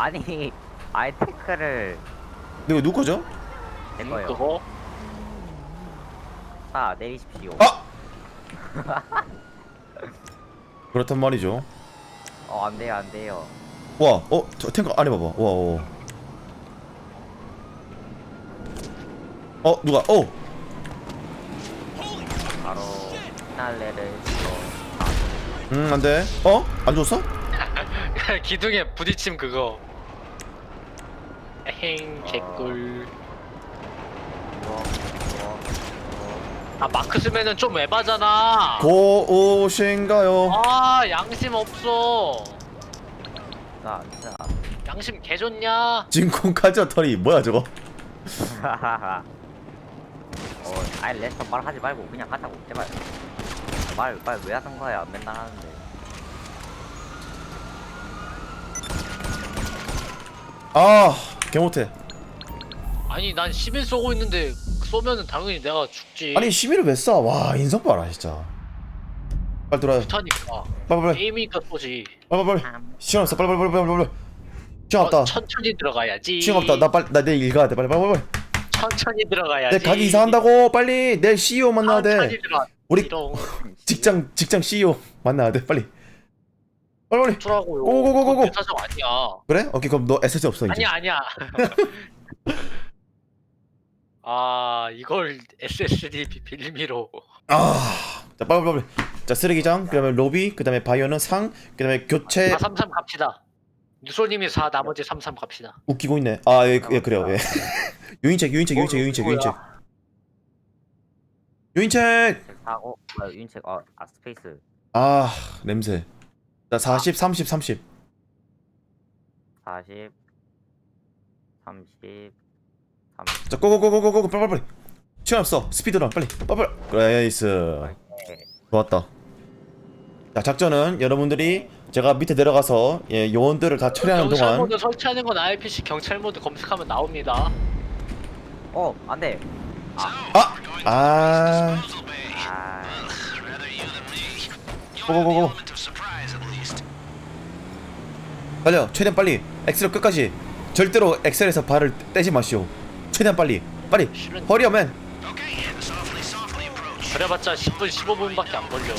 아니 아예 태클을 이거 누구 거죠? 된 거예요. 그거? 자 내리십시오. 아! 그렇단 말이죠. 안돼요 안돼요. 와, 저 탱크 안에 봐봐. 와. 누가? 바로 피날레를 안 돼. 안 줬어? 기둥에 부딪힘 그거. 에행 개꿀. 아 마크 쓰면은 좀 에바잖아. 고오신가요? 아 양심 없어. 자 양심 개좋냐? 진空카저 털이 뭐야 저거? 아예 레스터 말하지 말고 그냥 하자고 제발. 말 왜 하는 거야 맨날 하는데. 개못해. 아니 난 11 쏘고 있는데 쏘면은 당연히 내가 죽지. 아니 11을 왜 쏴? 와 인성 봐라 진짜. 빨리 돌아요. 좋다니까. 빨리. 게임이니까 쏘지. 빨리. 시간 없어. 빨리. 시간 없다. 천천히 들어가야지. 시간 없다. 나 내일 일 가야 돼. 빨리. 천천히 들어가야지. 내 가게 이사한다고. 빨리. 내일 CEO 만나야 돼. 천천히 들어가. 우리 이런 직장 CEO 만나야 돼. 빨리. 어쩌라고요. 고고고고고. 내 사정 아니야. 그래? 오케이 그럼 너 SSD 없어 이제. 아니야. 아 이걸 SSD 빌미로. 자 빨리. 자 쓰레기장, 그다음에 로비, 그다음에 바이오는 상, 그다음에 교체. 433 갑시다. 유소님이 4 나머지 33 갑시다. 웃기고 있네. 예, 그래요. 예. 유인책. 하고 윤책 스페이스. 냄새. 자 40, 30. 40 30 자 고고고고고고 빨리. 시간 없어. 스피드런 빨리. 그레이스. 좋았다. 자 작전은 여러분들이 제가 밑에 내려가서 요원들을 다 처리하는 경찰 동안. 모드 설치하는 건 IPC 경찰 모드 검색하면 나옵니다. 안돼. 고고고고. 빨리요. 최대한 빨리. 엑셀 끝까지. 절대로 엑셀에서 발을 떼지 마시오. 최대한 빨리. 실은 허리어맨. 그래봤자 10분 15분밖에 안 걸려.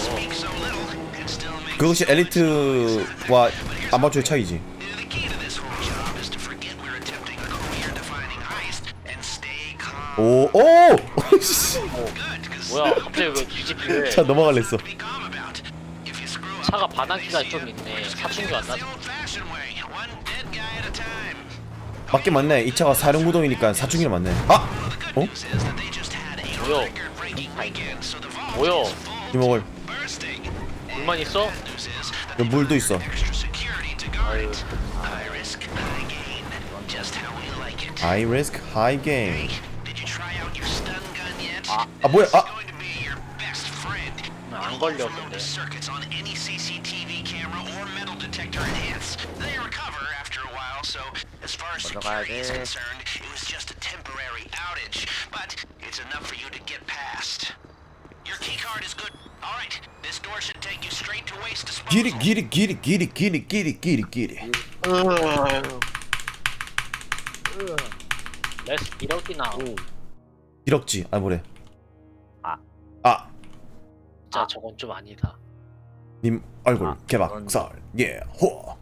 그것이 엘리트와 아마추어의 차이지. 오. 뭐야 갑자기 왜 뒤집히래. 차 넘어갈랬어. 차가 반항기가 좀 있네. 사춘기 왔나? 맞긴 맞네. 이 차가 사륜구동이니까 사춘기는 맞네. 뭐야? 이먹을. 불만 있어? 물도 있어. 아유 High risk, high gain. 뭐야? 안 걸려 근데. 먼저 가야 돼. 길이. 레스 이렇게나. 기럭지. 뭐래? 진짜 저건 좀 아니다. 님 얼굴 개박살. 호.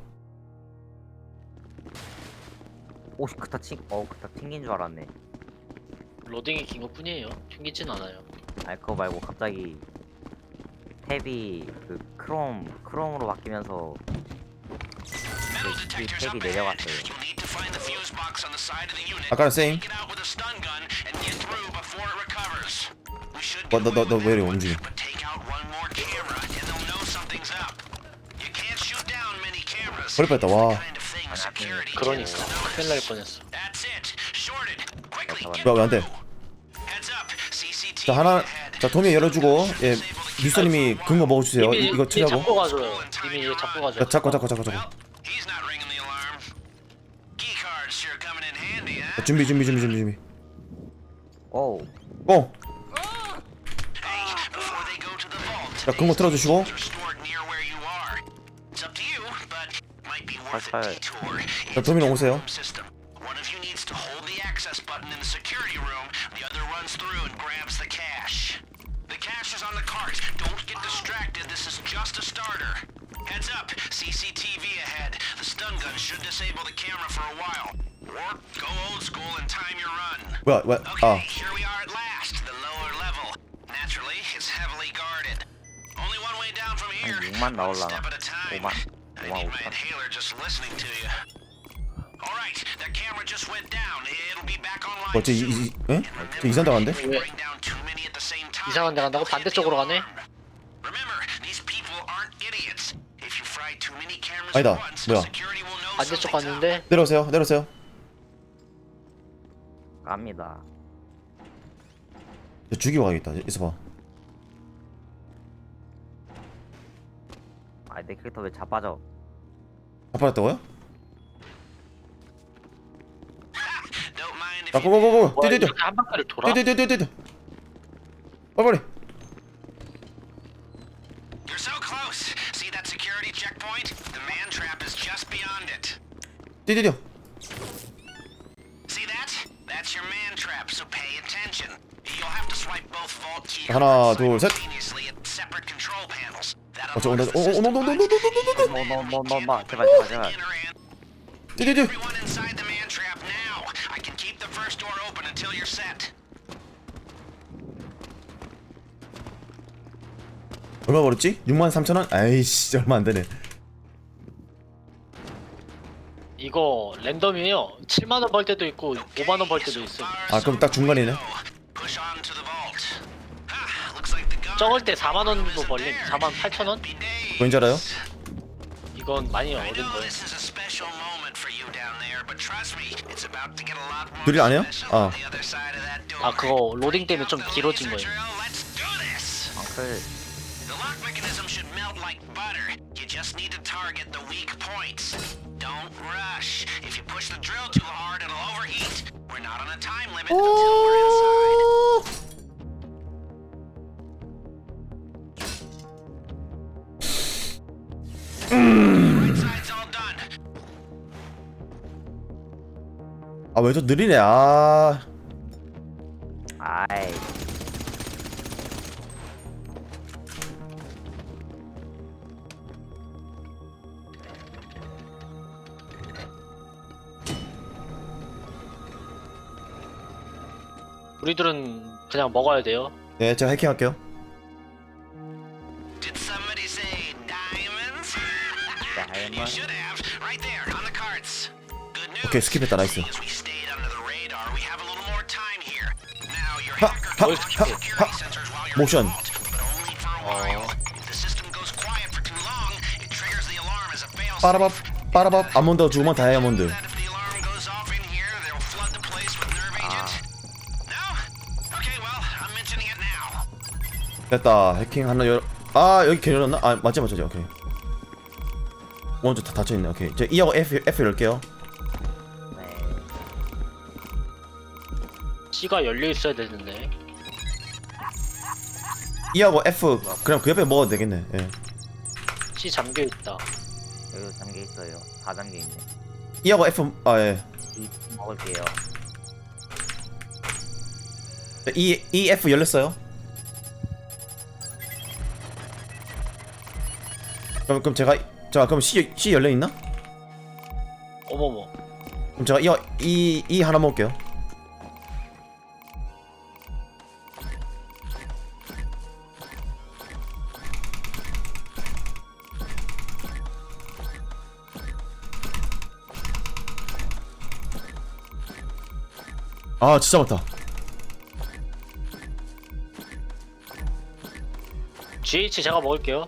그다 튕긴 줄 알았네. 로딩이 긴 것뿐이에요. 튕기진 않아요. 그거 말고 갑자기 탭이 크롬으로 바뀌면서 탭이 내려갔어요. 아까는 세임. 너 왜 이래 움직여? 버릴 뻔했다. 와. 그러니까 큰일 날 뻔했어. 왜 안 돼? 자 하나. 자 도미 열어주고. 미소님이 근거 먹어주세요. 이거 처리하고. 잡고 가줘요. 이미 잡고 가줘요. 잡고. 준비. 고. 자 근거 틀어주시고. 펄펄. 자, 도미노 오세요. One of you needs to hold the access button in the security room. The other runs through and grabs the cash. The cash is on the cart. Don't get distracted. This is just a starter. Heads up. CCTV ahead. The stun gun should disable the camera for a while. Or go old school and time your run. 뭐야? Okay, here we are at last. The lower level. Naturally, it's heavily guarded. Only one way down from here. 6만 One 나올라나? step at a time. 5만. I 5만 need my 5천. inhaler just listening to you. All right, that camera just went down. It'll be back online 뭐지? soon. 에? 저 이상 당한데? Bring down too many at the same time. 이상한 데 간다고? 반대쪽으로 가네? Remember, these people aren't idiots. If you fry too many cameras 아니다. at once, 뭐야? security will know 반대쪽 something's up. 갔는데 내려오세요. 갑니다. 저 죽이고 가야겠다. 있어봐. 아, 내 캐릭터 왜 자빠져? 아빠였다고요? Don't mind if 자, you 고고고고. 뭐야 뛰뛰뛰. 이렇게 한 바퀴를 돌아? 뛰뛰뛰뛰뛰. 빨리. You're so close. See that security checkpoint? The man trap is just beyond it. 뛰뛰뛰. See that? That's your man trap, so pay attention. You'll have to swipe both vault key 하나, 둘, 셋. simultaneously at separate control panels. That 저 온다. unlocks the system 노노노노노노노노. 뭐, 제발, 제발, 제발. 뛰뛰뛰. Everyone inside the man trap now. I can keep the first door open until you're set. 얼마 벌었지? 63,000원? 아이씨, 얼마 안 되네. 이거 랜덤이에요. 7만 원 벌 때도 있고 5만 원 벌 때도 있어. 아, 그럼 딱 중간이네. Push on to the vault. Ah, looks like the guard 적을 때 4만 원도 벌림. 4만 8천 원? be days. 뭔지 알아요? 이건 많이 I 어른 know 거예요. this is a special moment for you down there, but trust me, it's about to get a lot more 드릴 안 해요? special 아. on the other side of that door. 아 그거 로딩 때문에 좀 The 길어진 laser 거예요. drill, let's do this. 앙클. The lock mechanism should melt like butter. You just need to target the weak points. Don't rush. If you push the drill too hard, it'll overheat. We're not on a time limit until we're inside. Right side's all done. 아, 왜 저 느리네. 아. 아이. 우리들은 그냥 먹어야 돼요. 네, 제가 해킹할게요. Did somebody say diamonds? You Diamond. should have. Right there on the carts. Good news. 오케이, 스킵했다. 나이스. As we stayed under the radar, we have a little more time here. Now your 하, hacker 하, can launch 하, security sensors while you're 모션. in the vault, but only for a while. If the system goes quiet for too long, it triggers the alarm as a failsafe. 빠라밥. 아몬드 주면 다이아몬드. That if the alarm goes off in here, they'll flood the place with nerve agent. No? Okay, well, I'm mentioning it now. 됐다. 해킹 하나 열. 아, 여기 개 열었나? 아, 맞지. 오케이. 먼저 다 닫혀 있네. 오케이. 저 E하고 F 열게요. 네. C가 열려 있어야 되는데. E하고 F 그냥 그 옆에 먹어도 되겠네. 예. C 잠겨 있다. 여기 잠겨 있어요. 다 잠겨 있네. E하고 F 예. 이 먹을게요. E F 열렸어요. 그럼 제가 그럼 C 열려 있나? 어머머. 그럼 제가 E 하나 먹을게요. 아, 진짜 많다. GH 제가 먹을게요.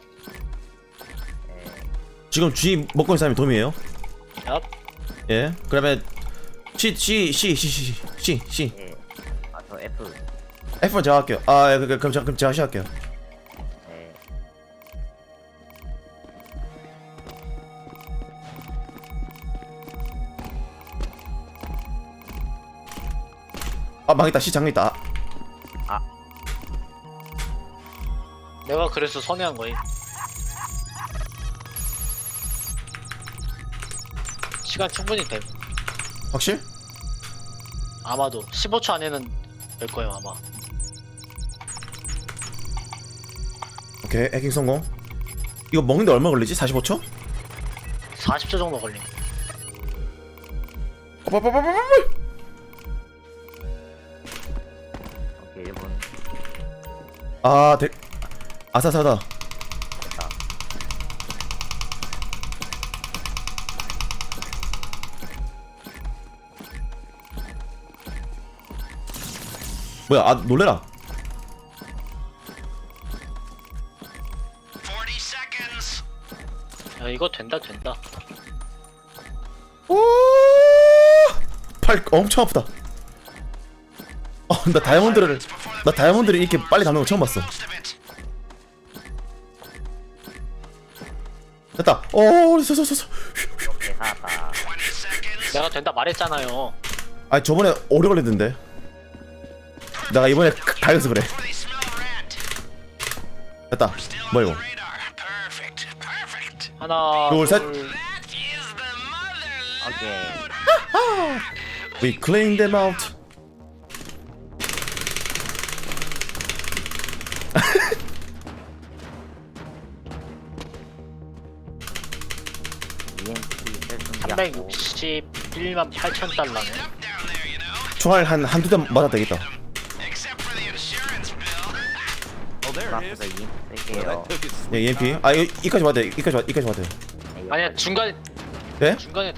지금 G 먹고 있는 사람이 돔이에요. 얍. 예. 그러면 C. 예. 아, 저 F. F는 제가 할게요. 아, 그럼 제가 시작할게요. 네. 아, 망했다. C 잠겨있다. 아. 내가 그래서 선회한 거임. 시간 충분히 돼. 확실? 아마도 15초 안에는 될 거예요 아마. 오케이 해킹 성공. 이거 먹는데 얼마 걸리지? 45초? 40초 정도 걸림. 빠빠빠빠빠. 오케이 1분 아 아사사다. 됐다. 뭐야 아 놀래라. 40 seconds. 야 이거 된다. 오! 팔 엄청 아프다. 나 다이아몬드를 이렇게 빨리 잡는 거 처음 봤어. Most of it. 됐다. 오, 서. 오케이 살았다. 20 seconds. 내가 된다 말했잖아요. 아니 저번에 오래 걸렸는데. 내가 이번에 다 해서 그래. Before they smell rat. 됐다. Still 뭐야 on 이거? the radar. Perfect. Perfect. 하나 둘, 셋. That is the mother. 오케이 We clean them out. EMP 셀 준비하고 361만 8천 달러네. Up down there, you know. 총알 한두 대 맞아 되겠다. Except for the insurance bill. 문 앞에서 EMP 쓸게요. 예, EMP. 아 이까지 맞아. 이까지 맞아. 아니야 중간에 네?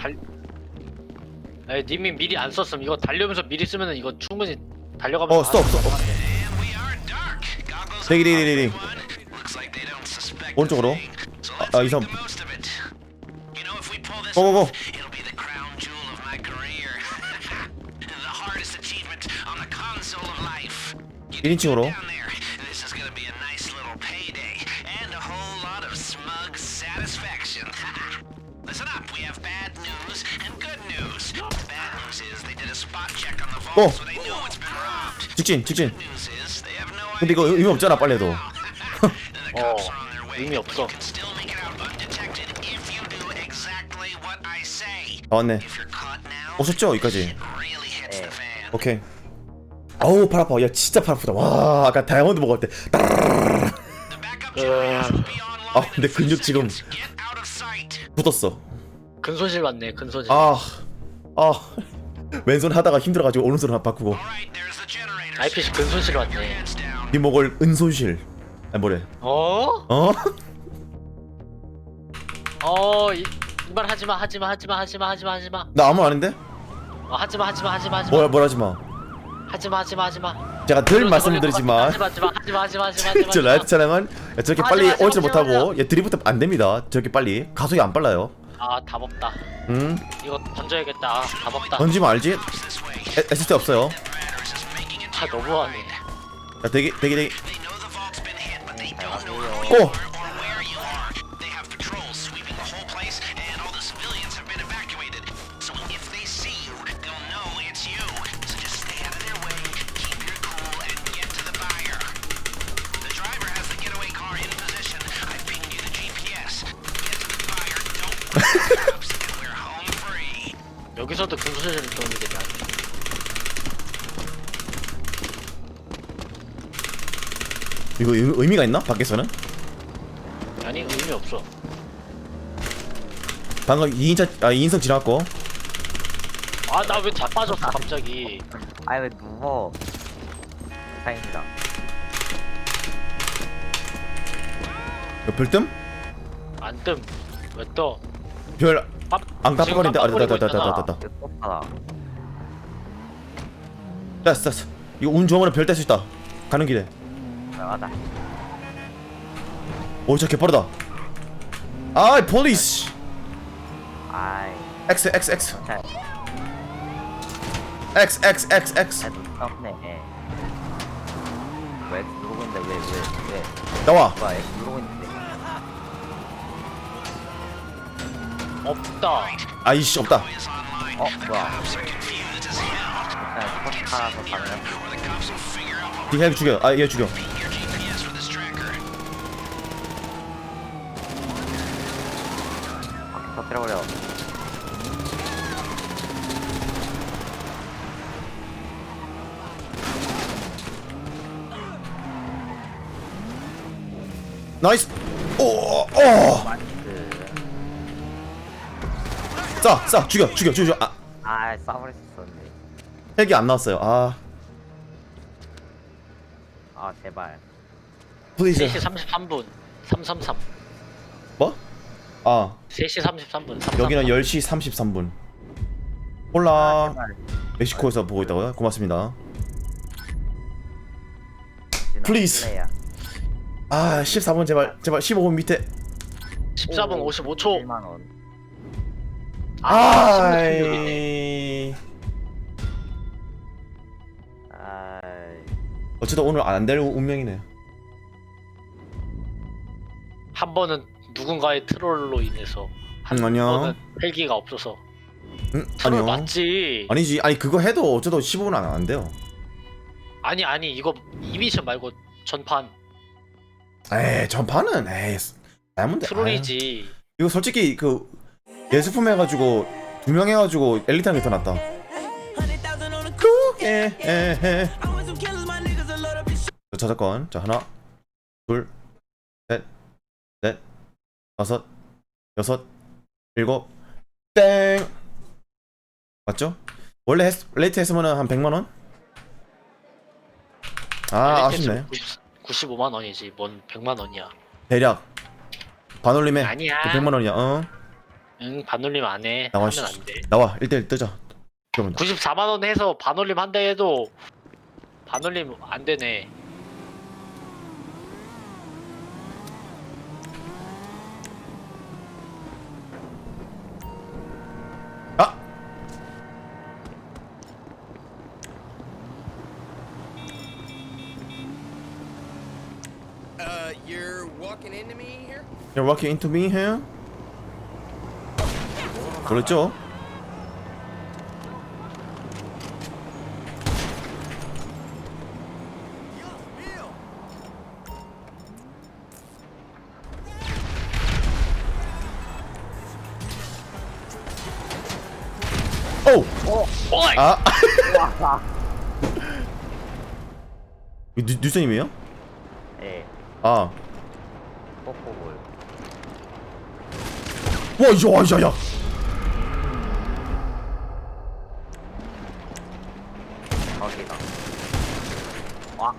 아니 님이 미리 안 썼음. 이거 달려면서 미리 쓰면은 이거 충분히 달려가면서. 스톱. And we are dark. Goggles 대기. on. Looks like they don't suspect 오른쪽으로. a thing. So let's 아, make 이상. the most of it. You know, if we pull this 고고고. off, it'll be the crown jewel of my career. The hardest achievement on the console of life. You 1인칭으로. down there. This is gonna be a nice little payday and a whole lot of smug satisfaction. Listen up, we have bad news and good news. The bad news is they did a spot check on the vault, so they know it's been robbed. 직진. Good news is they have no 근데 이거 의미 없잖아 빨리 해도. The cops are on their way. 의미 없어. You can still make it out undetected if you do exactly what I say. 다 왔네. If you're caught now, 오셨죠 여기까지. it really hits the fan. 오케이. 아우 팔 아파. 야 진짜 팔 아프다. 와 아까 다이아몬드 먹을 때. The backup generators will be online 아 in 근데 a few 근육 지금 seconds. Get out of sight. 붙었어. 근손실 받네. 근손실. 아 왼손 하다가 힘들어가지고 오른손 바꾸고. Alright, there's the generators. IPC 근손실 받네. Heads down. 이목을 은손실. 아니 뭐래? 어? 어? 이말 하지마. 나 아무 말 아닌데? 하지마. 뭐라 하지 마. 하지마. 제가 늘 말씀드리지만 하지마. 저 라이트 차량은 저렇게 빨리 하지 마, 오지를 하지 마, 못하고 드리프트 안 됩니다. 저렇게 빨리 가속이 안 빨라요. 아 답 없다. 이거 던져야겠다. 아, 답 없다. 던지면 알지? This way. SSD 없어요. Apparatus is making it 아 너무하네. 자 대기. They know the vault's been hit, but they don't know how 고! you are or where you are. They have patrols sweeping the whole place, and all the civilians have been evacuated. So if they see you, they'll know it's you. So just stay out of their way, keep your cool, and get to the buyer. The driver has the getaway car in position. I pinged you the GPS. Get to the buyer, don't wait for the cops, and we're home free. 여기서도 근손실 도움이 되냐? 이거 의미가 있나? 밖에서는? 아니 의미 없어. 방금 2인석 지났고. 아 나 왜 자빠졌어 갑자기. 아이 왜 누워 다행이다. 이거 별뜸? 안 뜸. 왜 떠? 별 안 깜빡거린다. 아, 깜빡거리고 됐다. 있잖아. 이거 똑하다. 됐어. 이거 운 좋으면 별 뗄 수 있다. 가는 길에. 맞아. 오, 저 개빠르다. 아이, 폴리스. 아이 X. 잘 X. 눈떴네. 왜 누르고 있는데 왜 나와. 뭐야 X 누르고 있는데. 없다. 아이씨, 없다. Is online. 뭐야 Cops are confused as hell. 일단 스포츠카라서 가능한 Or the cops will figure out what 얘 죽여. 아, 얘 죽여. ping your GPS with this tracker. 터뜨려버려. 나이스. 오. 나이스. 쏴 죽여. 아 싸버렸었네. 헬기 안 나왔어요. 아 제발. 플리즈. 3시 33분 333 뭐? 아 3시 33분 333 여기는 10시 33분. 홀라 제발. 멕시코에서 보고 있다고요? 고맙습니다. Please. 플레이야. 아 14분 제발 15분 밑에. 14분 55초 1만 원. 아이. 어쨌든 오늘 안 될 운명이네요. 한 번은 누군가의 트롤로 인해서 한 아니요. 번은 헬기가 없어서 트롤 아니요. 맞지? 아니지. 아니 그거 해도 어쩌도 15분 안 돼요. 아니 이거 이 미션 말고 전판 에이 전파는 에이 다이아몬드. 트롤이지. 이거 솔직히 그 예수품 해가지고 2명 해가지고 엘리트한 게 더 낫다. 저작권. 자 하나 둘 셋 넷 다섯 여섯 일곱 땡. 맞죠? 원래 레이트 했으면은 한 100만원? 아 아쉽네. 95만 원이지. 뭔 100만 원이야. 대략 반올림에 아니야. 100만원이야. 어? 응, 반올림 안 해. 나와, 하면 안 돼. 나와 1대1 뜨자. 그러면 94만 원 해서 반올림 한다 해도 반올림 안 되네. 아! You're walking into me here? You're walking into me here? 그렇죠? 오! 어이! 아! 뉴스님이에요? 예. 아. 뽀뽀볼. 와, 야. 거기다. 와.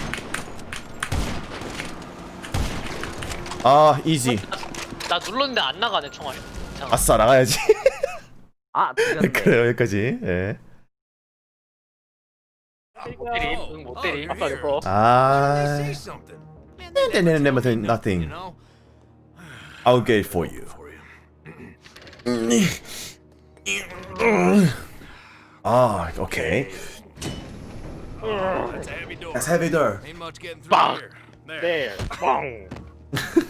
아, 이지. 나 눌렀는데 안 나가네 총알이. 이상하다. 아싸, 나가야지. 들렸네. 그래요, 여기까지. 예. 못 때림. 응, 못 때림. 아까 here. 그거. 아. Say something. Nothing. You know? I'll get it for you. 아, 오케이. That's a heavy door. That's heavy door. Ain't much getting through Bang. here. There. 네. 뻥.